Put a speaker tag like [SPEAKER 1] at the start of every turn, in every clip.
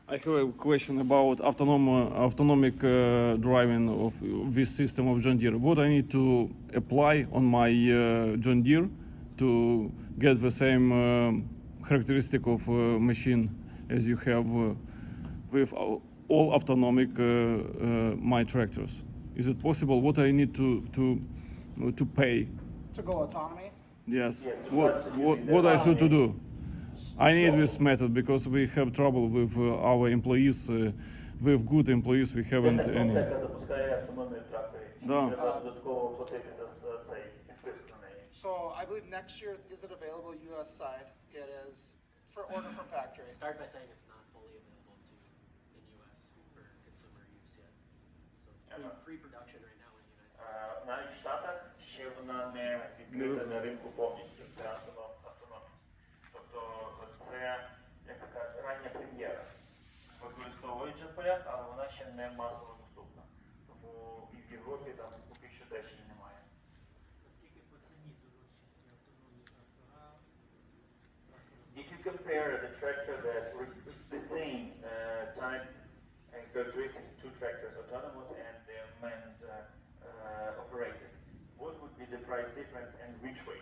[SPEAKER 1] I have a question about autonomic driving of this system of John Deere. What I need to apply on my John Deere to get the same characteristic of machine as you have with all autonomic my tractors? Is it possible? What I need to pay?
[SPEAKER 2] To go autonomy?
[SPEAKER 1] Yes. What I should to do? I need this method because we have trouble with our employees. With good employees we haven't any.
[SPEAKER 3] Яка запускає автономію тракторів.
[SPEAKER 1] Да.
[SPEAKER 3] Треба додатково платити за цей підписку на неї.
[SPEAKER 2] So I believe next year, is it available U.S. side? It is for order from factory.
[SPEAKER 4] Start by saying it's not fully available in U.S. for consumer use yet. So it's pre-production right now in the United States.
[SPEAKER 3] Навіть в Штатах ще вона не відкрита на ринку повністю. Це автономність. Тобто це, як це кажуть, рання прем'єра. Використовують вже в полях, але вона ще не масово доступна. Тому і в Європі там поки що теж її немає.
[SPEAKER 4] Наскільки по ціні дорожчі ці автономні трактора?
[SPEAKER 3] If you compare the tractor that is the same type and characteristics, two tractors, autonomous and manned operated, what would be the price difference and which way?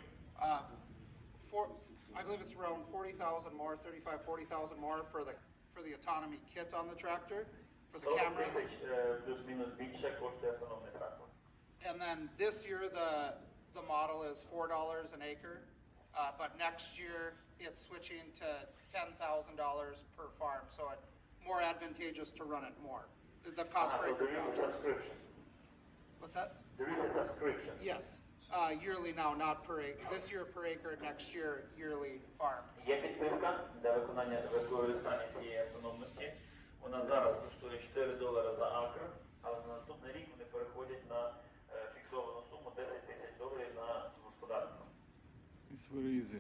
[SPEAKER 2] I believe it's around 40,000 more, 35, 40,000 more for the autonomy kit on the tractor, for the cameras.
[SPEAKER 3] Плюс-мінус більше коштує автономний трактор.
[SPEAKER 2] And then this year, the model is $4 an acre, but next year it's switching to $10,000 per farm, so it's more advantageous to run it more. The cost per
[SPEAKER 3] So
[SPEAKER 2] acre
[SPEAKER 3] there is a
[SPEAKER 2] drops.
[SPEAKER 3] subscription.
[SPEAKER 2] What's that?
[SPEAKER 3] There is a subscription.
[SPEAKER 2] Yes, yearly now, not per acre. This year per acre, next year yearly farm.
[SPEAKER 3] Є підписка для використання цієї автономності. Вона зараз коштує $4 за акр, але на наступний рік вони переходять на фіксовану суму $10,000 на господарство.
[SPEAKER 1] It's very easy.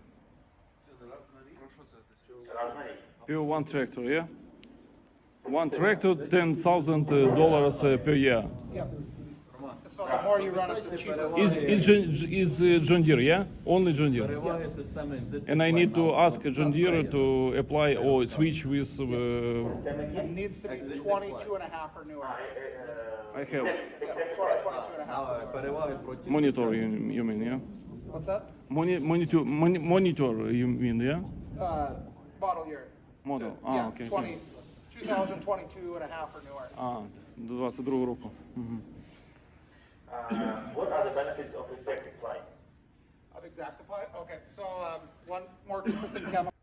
[SPEAKER 3] Раз на рік.
[SPEAKER 1] Per one tractor, yeah? One tractor, $10,000 per year.
[SPEAKER 2] Yep. So the more you run it, the cheaper.
[SPEAKER 1] Is John Deere, yeah? Only John Deere.
[SPEAKER 5] Переваги системи
[SPEAKER 1] And I need to ask John Deere to apply or switch with.
[SPEAKER 2] It needs to be 22 and a half or newer.
[SPEAKER 1] I have
[SPEAKER 2] Yeah, 22 and a half. or newer.
[SPEAKER 5] переваги проти
[SPEAKER 1] monitor. You mean, yeah?
[SPEAKER 2] What's that?
[SPEAKER 1] Monitor. You mean, yeah?
[SPEAKER 2] Model year.
[SPEAKER 1] Model.
[SPEAKER 2] Yeah,
[SPEAKER 1] Okay.
[SPEAKER 2] 2022 and a half or newer.
[SPEAKER 1] 22 року.
[SPEAKER 3] What are the benefits of Exactiply?
[SPEAKER 2] Of Exactiply? Okay, so one more consistent chemical.